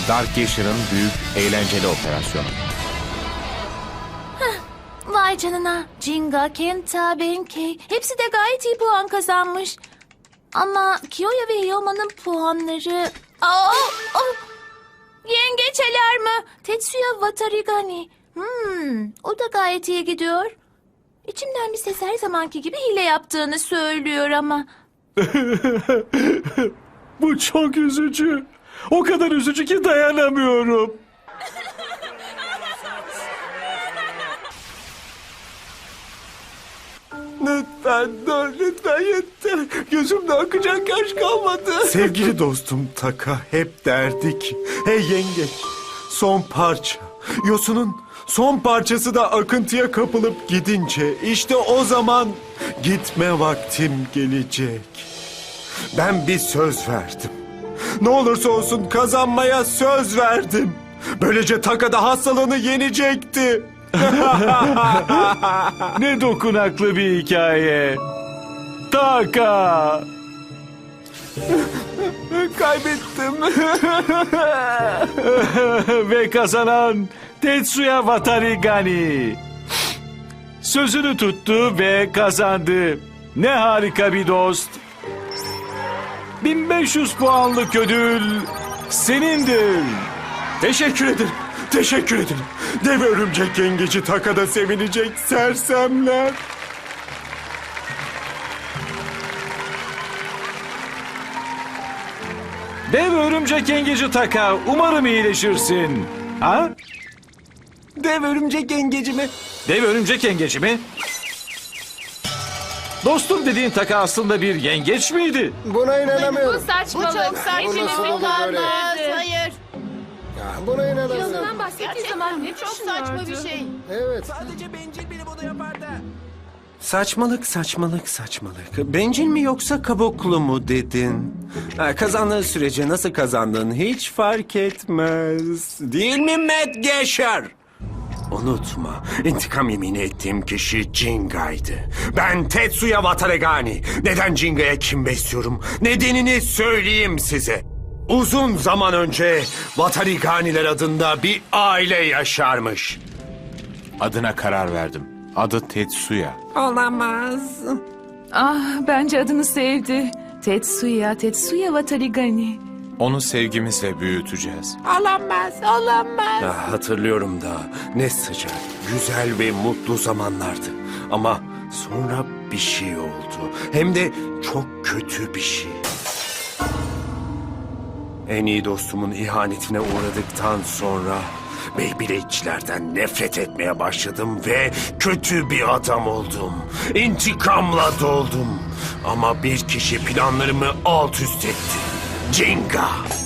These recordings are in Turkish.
Dark Gasher'ın büyük eğlenceli operasyonu. Vay canına. Jinga, Kenta, Benkei hepsi de gayet iyi puan kazanmış. Ama Kiyoya ve Hyoma'nın puanları... Yengeç alarmı. Tetsuya Watarigani. O da gayet iyi gidiyor. İçimden bir ses her zamanki gibi hile yaptığını söylüyor ama... Bu çok üzücü. O kadar üzücü ki dayanamıyorum. Lütfen dur, lütfen yeter. Gözümde akacak yaş kalmadı. Sevgili dostum Taka hep derdik. Hey yengeç, son parça. Yosunun son parçası da akıntıya kapılıp gidince işte o zaman gitme vaktim gelecek. Ben bir söz verdim. Ne olursa olsun kazanmaya söz verdim. Böylece Taka da hastalığını yenecekti. Ne dokunaklı bir hikaye. Taka. Kaybettim. Ve kazanan Tetsuya Watarigani. Sözünü tuttu ve kazandı. Ne harika bir dost. 1500 puanlık ödül senindir. Teşekkür ederim. Teşekkür ederim. Dev örümcek yengeci Taka'da sevinecek sersemler. Dev örümcek yengeci Taka, umarım iyileşirsin. Ha? Dev örümcek yengeci mi? Dev örümcek yengeci mi? Dostum dediğin Taka aslında bir yengeç miydi? Buna inanamıyorum. saçmalık. Bu nasıl olur böyle? Hayır. Buna inanamıyorum. Yalan bahsettiği zaman ne Çok saçma bir şey. Evet. Saçmalık, saçmalık, saçmalık. Bencil mi yoksa kabuklu mu dedin? Kazandığın sürece nasıl kazandığın hiç fark etmez. Değil mi Matt Gasher? Unutma, intikam yemini ettiğim kişi Jinga'ydı. Ben Tetsuya Watarigani. Neden Jinga'ya kin besliyorum? Nedenini söyleyeyim size. Uzun zaman önce Watariganiler adında bir aile yaşarmış. Adına karar verdim. Adı Tetsuya. Olamaz. Bence adını sevdi. Tetsuya Watarigani. Onu sevgimizle büyüteceğiz. Hatırlıyorum da ne sıcak, güzel ve mutlu zamanlardı. Ama sonra bir şey oldu. Hem de çok kötü bir şey. En iyi dostumun ihanetine uğradıktan sonra Beyblade'çilerden nefret etmeye başladım ve kötü bir adam oldum. İntikamla doldum. Ama bir kişi planlarımı alt üst etti. Jinga.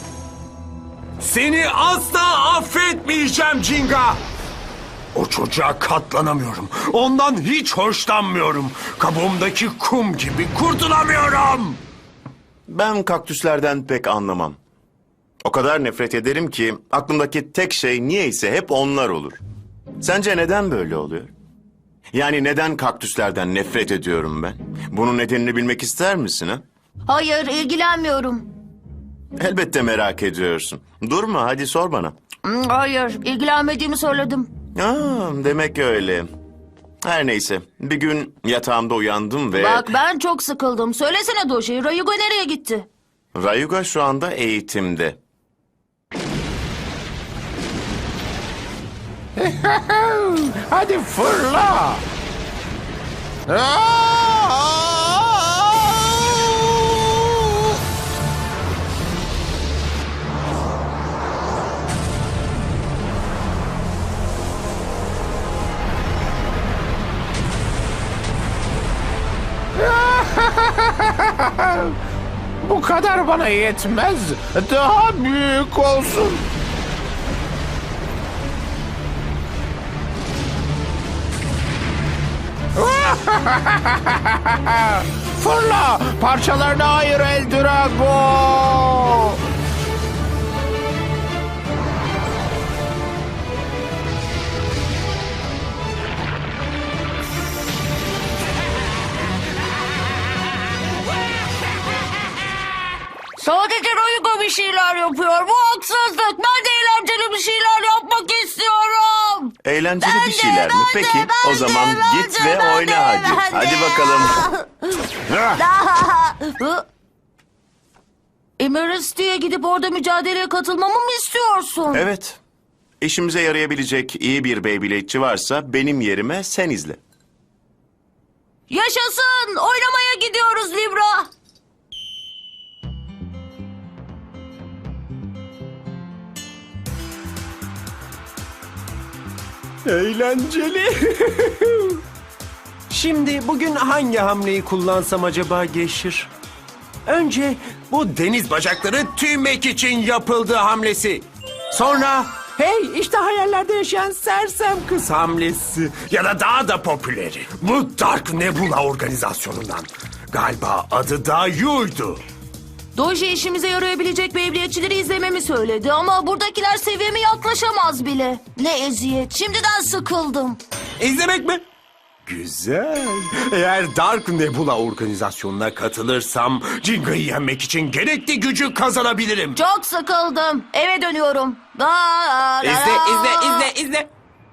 Seni asla affetmeyeceğim Jinga. O çocuğa katlanamıyorum. Ondan hiç hoşlanmıyorum. Kabuğumdaki kum gibi kurtulamıyorum. Ben kaktüslerden pek anlamam. O kadar nefret ederim ki aklımdaki tek şey niyeyse hep onlar olur. Sence neden böyle oluyor? Yani neden kaktüslerden nefret ediyorum ben? Bunun nedenini bilmek ister misin ha? Hayır, ilgilenmiyorum. Elbette merak ediyorsun. Durma hadi sor bana. Hayır, ilgilenmediğimi söyledim. Demek öyle. Her neyse bir gün yatağımda uyandım ve... Bak ben çok sıkıldım. Söylesene Doji, Rayuga nereye gitti? Rayuga şu anda eğitimde. Hadi fırla! Bu kadar bana yetmez. Daha büyük olsun. Fırla! Parçalarına ayır El Drago! Sadece Rayuga bir şeyler yapıyor. Bu haksızlık. Ben de Eğlenceli bir şeyler mi? Peki o zaman git ve oyna hadi. Hadi bakalım. Emeralds'e gidip orada mücadeleye katılmamı mı istiyorsun? Evet. İşimize yarayabilecek iyi bir Beyblade'çi varsa benim yerime sen izle. Yaşasın! Oynamaya gidiyoruz Libra. Eğlenceli. Şimdi bugün hangi hamleyi kullansam acaba Geşir? Önce bu deniz bacakları tüymek için yapıldığı hamlesi. Sonra hey işte hayallerde yaşayan sersem kız hamlesi. Ya da daha da popüleri. Bu Dark Nebula organizasyonundan. Galiba adı da Yu'ydu. Doji işimize yarayabilecek Beyblade'çileri izlememi söyledi ama buradakiler seviyeme yaklaşamaz bile. Ne eziyet. Şimdiden sıkıldım. İzlemek mi? Güzel. Eğer Dark Nebula organizasyonuna katılırsam Jinga'yı yenmek için gerekli gücü kazanabilirim. Çok sıkıldım. Eve dönüyorum. İzle.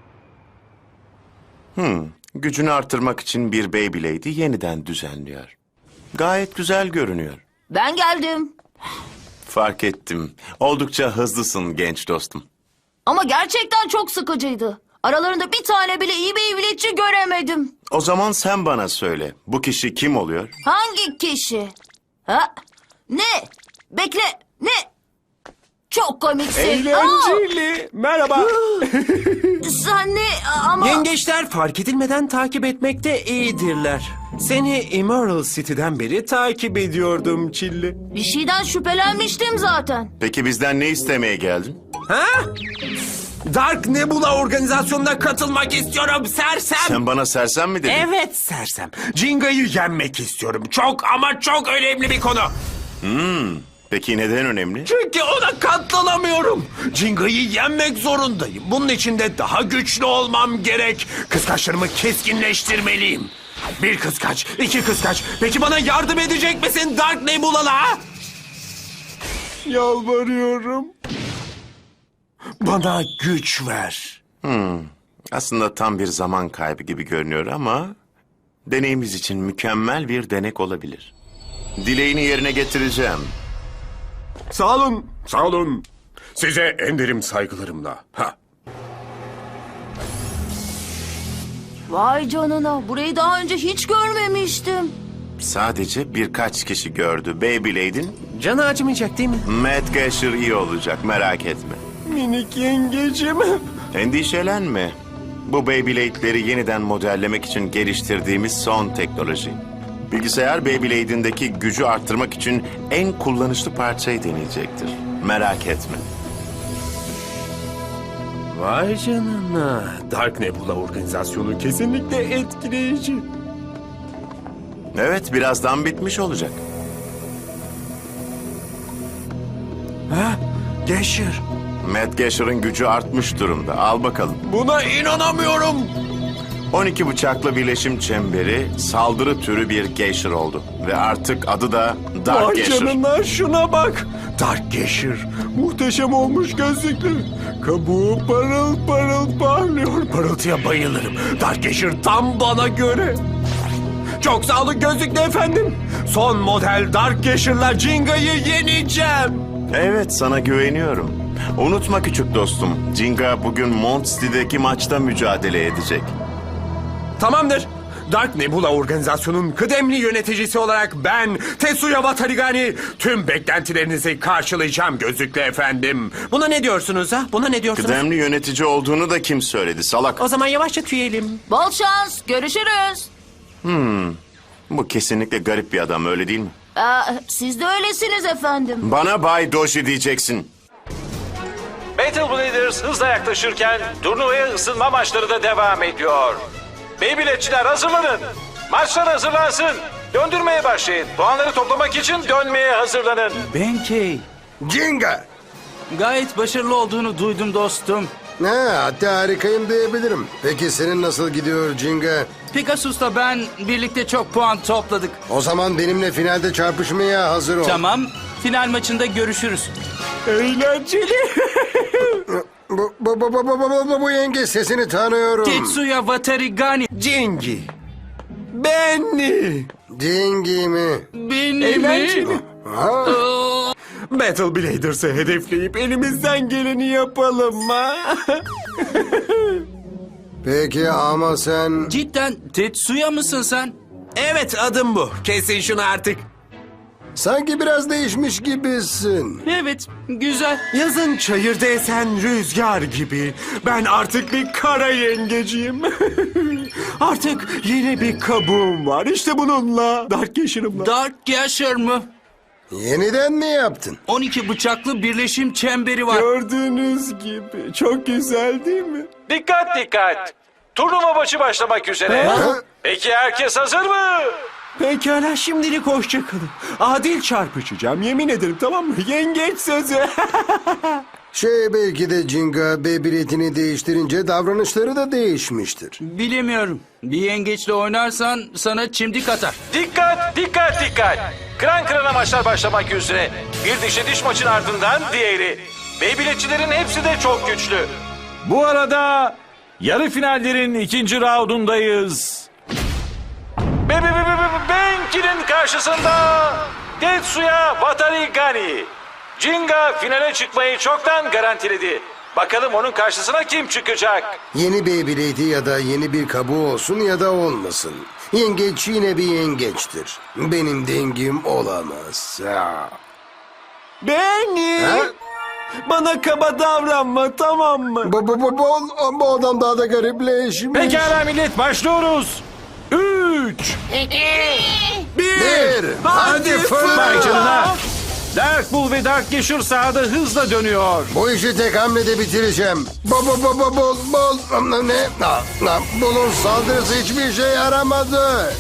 Gücünü artırmak için bir Beyblade'i yeniden düzenliyor. Gayet güzel görünüyor. Ben geldim. Fark ettim. Oldukça hızlısın genç dostum. Ama gerçekten çok sıkıcıydı. Aralarında bir tane bile iyi Beyblade'çi göremedim. O zaman sen bana söyle. Bu kişi kim oluyor? Hangi kişi? Ha? Ne? Bekle. Ne? Çok komiksin. Eğlenceli. Merhaba. Sen ne? Ama... Yengeçler fark edilmeden takip etmekte iyidirler. Seni Emerald City'den beri takip ediyordum Çilli. Bir şeyden şüphelenmiştim zaten. Peki bizden ne istemeye geldin? Ha? Dark Nebula organizasyonuna katılmak istiyorum sersem. Sen bana sersem mi dedin? Evet sersem. Jinga'yı yenmek istiyorum. Çok ama çok önemli bir konu. Peki neden önemli? Çünkü ona katlanamıyorum. Jinga'yı yenmek zorundayım. Bunun için de daha güçlü olmam gerek. Kıskaçlarımı keskinleştirmeliyim. Bir kıskaç, iki kıskaç. Peki bana yardım edecek misin Dark Nebula'la? Yalvarıyorum. Bana güç ver. Aslında tam bir zaman kaybı gibi görünüyor ama... deneyimiz için mükemmel bir denek olabilir. Dileğini yerine getireceğim. Sağ olun, sağ olun. Size en derin saygılarımla. Vay canına. Burayı daha önce hiç görmemiştim. Sadece birkaç kişi gördü. Beyblade'in Canı acımayacak değil mi? Matt Gasher iyi olacak, merak etme. Minik yengecim. Endişelenme. Bu Beyblade'leri yeniden modellemek için geliştirdiğimiz son teknoloji. Bilgisayar Beyblade'indeki gücü arttırmak için en kullanışlı parçayı deneyecektir. Merak etme. Vay canına. Dark Nebula organizasyonu kesinlikle etkileyici. Evet, birazdan bitmiş olacak. Geşir. Matt Gasher'ın gücü artmış durumda. Al bakalım. Buna inanamıyorum. 12 bıçaklı birleşim çemberi saldırı türü bir Gasher oldu. Ve artık adı da Dark Vay Gasher. canına şuna bak. Dark Geşir. Muhteşem olmuş gözlüklü. Kabuğu parıl parıl parlıyor. Parıltıya bayılırım. Dark Geşir tam bana göre. Çok sağ olun gözlüklü efendim. Son model Dark Geşir'la Jinga'yı yeneceğim. Evet, sana güveniyorum. Unutma küçük dostum. Jinga bugün Mont City'deki maçta mücadele edecek. Tamamdır. Dark Nebula organizasyonun kıdemli yöneticisi olarak ben Tetsuya Watarigani tüm beklentilerinizi karşılayacağım gözlüklü efendim. Buna ne diyorsunuz ha? Buna ne diyorsunuz? Kıdemli yönetici olduğunu da kim söyledi salak? O zaman yavaşça tüyelim. Bol şans. Görüşürüz. Bu kesinlikle garip bir adam, öyle değil mi? Siz de öylesiniz efendim. Bana Bay Doji diyeceksin. Battle Bladers hızla yaklaşırken turnuvaya ısınma maçları da devam ediyor. Beyblade'çiler hazırlanın. Maçlar hazırlansın. Döndürmeye başlayın. Puanları toplamak için dönmeye hazırlanın. Benkei. Jinga! Gayet başarılı olduğunu duydum dostum. Hatta harikayım diyebilirim. Peki senin nasıl gidiyor Jinga? Pegasus'la ben birlikte çok puan topladık. O zaman benimle finalde çarpışmaya hazır ol. Tamam, final maçında görüşürüz. Eğlenceli. Bu yengeç sesini tanıyorum. Tetsuya Watarigani. Jingi. Benny. Dingi mi? Benim. Ha? Battle Bladers'ı hedefleyip elimizden geleni yapalım mı? Peki ama sen... Cidden Tetsuya mısın sen? Evet, adım bu. Kesin şunu artık. Sanki biraz değişmiş gibisin. Evet, güzel. Yazın çayırda esen rüzgar gibi. Ben artık bir kara yengeciyim. Artık yeni bir kabuğum var. İşte bununla. Dark Yaşar'ımla. Dark Gasher mı? Yeniden mi yaptın? 12 bıçaklı birleşim çemberi var. Gördüğünüz gibi. Çok güzel değil mi? Dikkat dikkat. Turnuva maçı başlamak üzere. Ha? Peki herkes hazır mı? Pekala, şimdilik hoşça kalın. Adil çarpışacağım, yemin ederim, tamam mı? Yengeç sözü. Belki de Jinga Beyblade'ini değiştirince davranışları da değişmiştir. Bilemiyorum. Bir yengeçle oynarsan sana çimdik atar. Dikkat dikkat dikkat. Kıran kırana maçlar başlamak üzere. Bir dişe diş maçın ardından diğeri. Beyblade'çilerin hepsi de çok güçlü. Bu arada yarı finallerin ikinci raundundayız. Benki'nin karşısında Tetsuya Watarigani. Jinga finale çıkmayı çoktan garantiledi. Bakalım onun karşısına kim çıkacak? Yeni Beyblade'i ya da yeni bir kabuğu olsun ya da olmasın. Yengeç yine bir yengeçtir. Benim dengim olamaz. Ha. Benny. Ha? Bana kaba davranma, tamam mı? Bu adam daha da garipleşmiş. Pekala millet, başlıyoruz. 3. Bir. Hadi Vay fırla. canına. Dark Bull ve Dark Gasher sahada hızla dönüyor. Bu işi tek hamlede bitireceğim. Ne? Bunun saldırısı hiçbir şey yaramadı.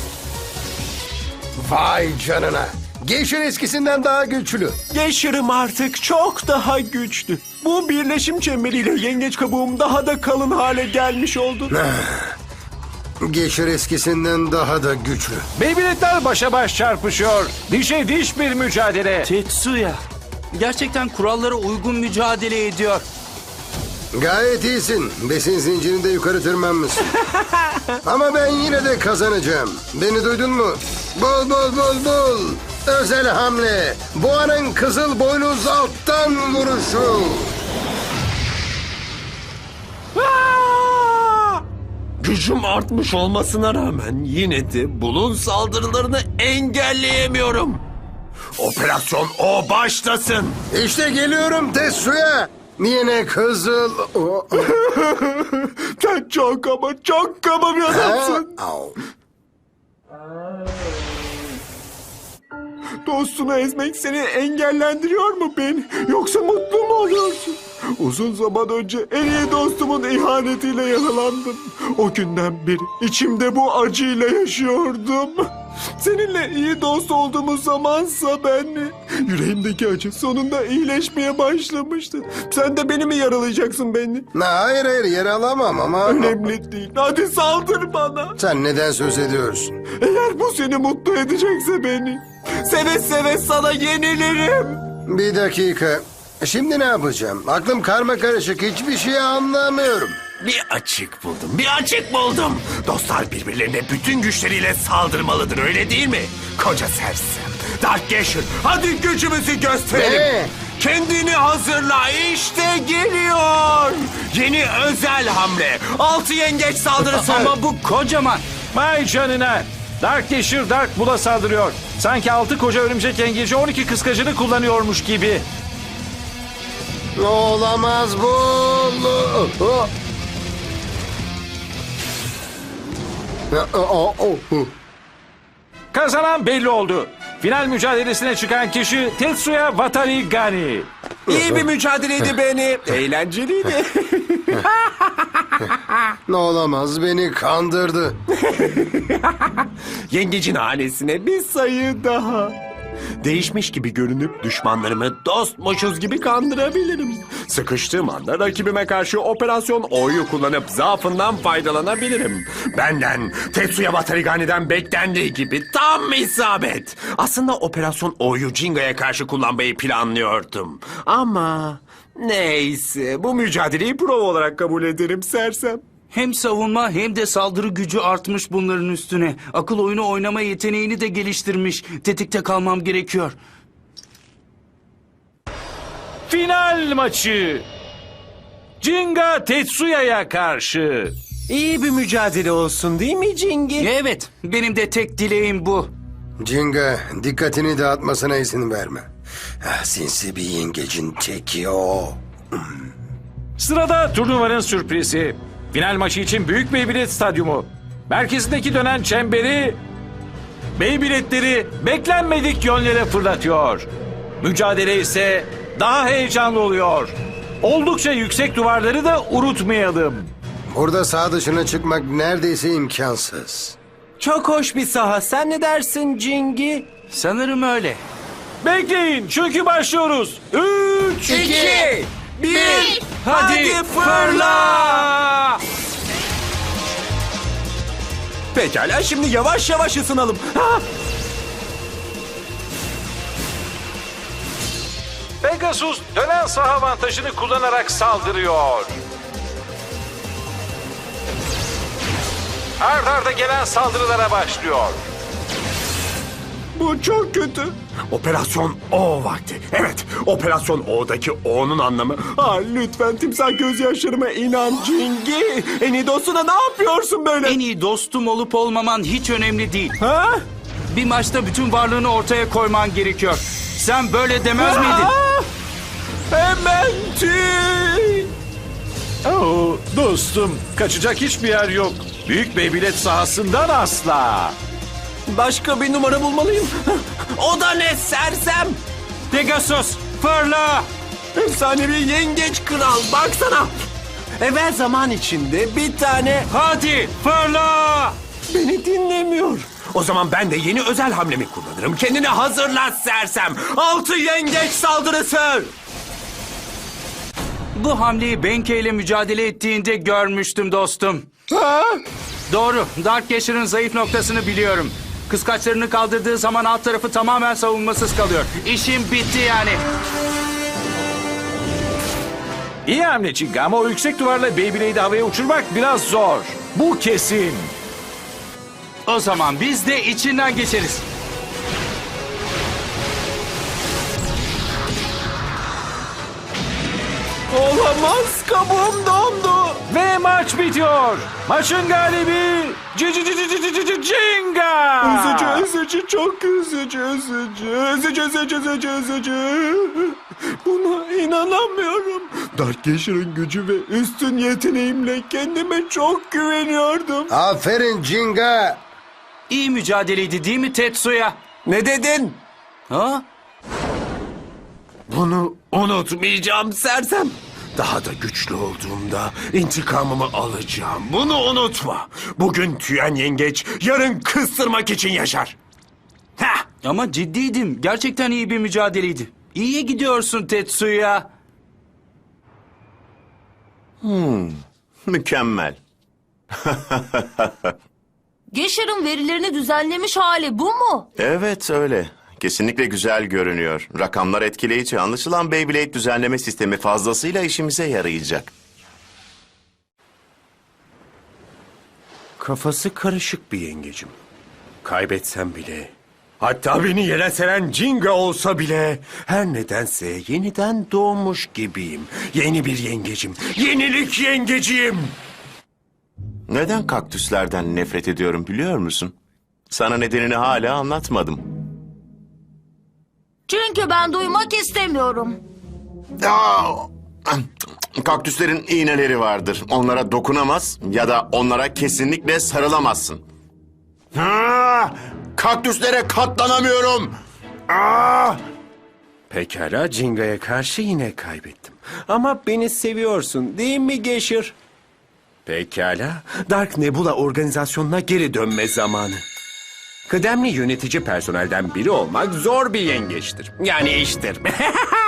Vay canına. Geisher eskisinden daha güçlü. Yaşarım artık çok daha güçlü. Bu birleşim çemberiyle yengeç kabuğum daha da kalın hale gelmiş oldu. Geisher eskisinden daha da güçlü. Beyblade'ler başa baş çarpışıyor. Dişe diş bir mücadele. Tetsuya. Gerçekten kurallara uygun mücadele ediyor. Gayet iyisin. Besin zincirinde yukarı tırmanmışsın. Ama ben yine de kazanacağım. Beni duydun mu? Bul. Özel hamle. Boğanın kızıl boynuz alttan vuruşu. Gücüm artmış olmasına rağmen yine de Bulun saldırılarını engelleyemiyorum. Operasyon O başlasın. İşte geliyorum Tetsuya. Yine kızıl... Sen çok kaba bir adamsın. Au. Dostunu ezmek seni engellendiriyor mu beni? Yoksa mutlu mu oluyorsun? Uzun zaman önce en iyi dostumun ihanetiyle yaralandım. O günden beri içimde bu acıyla yaşıyordum. Seninle iyi dost olduğumuz zamansa yüreğimdeki acı sonunda iyileşmeye başlamıştı. Sen de beni mi yaralayacaksın beni? Hayır yaralamam ama... Önemli değil. Hadi saldır bana. Sen neden söz ediyorsun? Eğer bu seni mutlu edecekse beni, seve seve sana yenilirim. Bir dakika. Şimdi ne yapacağım? Aklım karma karışık. Hiçbir şey anlamıyorum. Bir açık buldum. Dostlar birbirlerine bütün güçleriyle saldırmalıdır, öyle değil mi? Koca sersem. Dark Gasher, hadi gücümüzü gösterelim. Ne? Kendini hazırla, işte geliyor. Yeni özel hamle. 6 yengeç saldırısı. Ama bu kocaman. Vay canına. Dark Gasher Dark Bull'a saldırıyor. Sanki 6 koca örümcek yengeci 12 kıskacını kullanıyormuş gibi. Olamaz bu. Kazanan belli oldu. Final mücadelesine çıkan kişi Tetsuya Watarigani. İyi bir mücadeleydi beni. Eğlenceliydi. Olamaz, beni kandırdı. Yengecin hanesine bir sayı daha. Değişmiş gibi görünüp düşmanlarımı dostmuşuz gibi kandırabilirim. Sıkıştığım anda rakibime karşı operasyon O'yu kullanıp zaafından faydalanabilirim. Benden, Tetsuya Watarigani'den beklendiği gibi tam isabet. Aslında operasyon O'yu Jinga'ya karşı kullanmayı planlıyordum. Ama Neyse, bu mücadeleyi prova olarak kabul ederim sersem. Hem savunma hem de saldırı gücü artmış bunların üstüne. Akıl oyunu oynama yeteneğini de geliştirmiş. Tetikte kalmam gerekiyor. Final maçı. Jinga Tetsuya'ya karşı. İyi bir mücadele olsun değil mi Jingi? Evet, benim de tek dileğim bu. Jinga, dikkatini dağıtmasına izin verme. Sinsi bir yengecin teki o. Sırada turnuvanın sürprizi. Final maçı için Büyük Beybilet Stadyumu. Merkezindeki dönen çemberi Beybiletleri beklenmedik yönlere fırlatıyor. Mücadele ise daha heyecanlı oluyor. Oldukça yüksek duvarları da unutmayalım. Burada sağ dışına çıkmak neredeyse imkansız. Çok hoş bir saha. Sen ne dersin Jingi? Sanırım öyle. Bekleyin çünkü başlıyoruz. 3, 2, 1, hadi fırla! Pekala, şimdi yavaş yavaş ısınalım. Ha! Pegasus dönen saha avantajını kullanarak saldırıyor. Ard arda gelen saldırılara başlıyor. Bu çok kötü. Operasyon O vakti. Evet, Operasyon O'daki O'nun anlamı. Lütfen timsah gözyaşlarıma inan Jingi. En iyi dostuna ne yapıyorsun böyle? En iyi dostum olup olmaman hiç önemli değil. Ha? Bir maçta bütün varlığını ortaya koyman gerekiyor. Sen böyle demez miydin? Hemen tüy. Oo, dostum kaçacak hiçbir yer yok. Büyük Beybilet sahasından asla. Başka bir numara bulmalıyım. O da ne sersem? Pegasus, fırla! Efsanevi yengeç kral, baksana. Evvel zaman içinde bir tane Hadi fırla! beni dinlemiyor. O zaman ben de yeni özel hamlemi kullanırım. Kendini hazırla sersem. 6 yengeç saldırısı. Bu hamleyi Benke ile mücadele ettiğinde görmüştüm dostum. Ha? Doğru, Dark Gasher'ın zayıf noktasını biliyorum. Kıskaçlarını kaldırdığı zaman alt tarafı tamamen savunmasız kalıyor. İşim bitti yani. İyi hamle Jinga ama o yüksek duvarla Beyblade'i havaya uçurmak biraz zor. Bu kesin. O zaman biz de içinden geçeriz. Olamaz, kabuğum dondu. Ve maç bitiyor. Maçın galibi Jinga. Üzücü, çok üzücü. Buna inanamıyorum. Dark Gasher'ın gücü ve üstün yeteneğimle kendime çok güveniyordum. Aferin Jinga. İyi mücadeleydi değil mi Tetsuya? Ne dedin? Ha? Bunu unutmayacağım sersem. Daha da güçlü olduğumda intikamımı alacağım. Bunu unutma. Bugün tüyen yengeç, yarın kıstırmak için yaşar. Heh. Ama ciddiydim. Gerçekten iyi bir mücadeleydi. İyiye gidiyorsun Tetsuya. Mükemmel. Gasher'ın verilerini düzenlemiş hali bu mu? Evet öyle. Kesinlikle güzel görünüyor. Rakamlar etkileyici. Anlaşılan Beyblade düzenleme sistemi fazlasıyla işimize yarayacak. Kafası karışık bir yengecim. Kaybetsem bile, hatta beni yere seren Jinga olsa bile, her nedense yeniden doğmuş gibiyim. Yeni bir yengecim, yenilik yengeciyim. Neden kaktüslerden nefret ediyorum biliyor musun? Sana nedenini hala anlatmadım. Çünkü ben duymak istemiyorum. Kaktüslerin iğneleri vardır. Onlara dokunamaz ya da onlara kesinlikle sarılamazsın. Kaktüslere katlanamıyorum. Pekala, Jinga'ya karşı yine kaybettim. Ama beni seviyorsun değil mi Gasher? Pekala, Dark Nebula organizasyonuna geri dönme zamanı. Kıdemli yönetici personelden biri olmak zor bir yengeçtir. Yani iştir.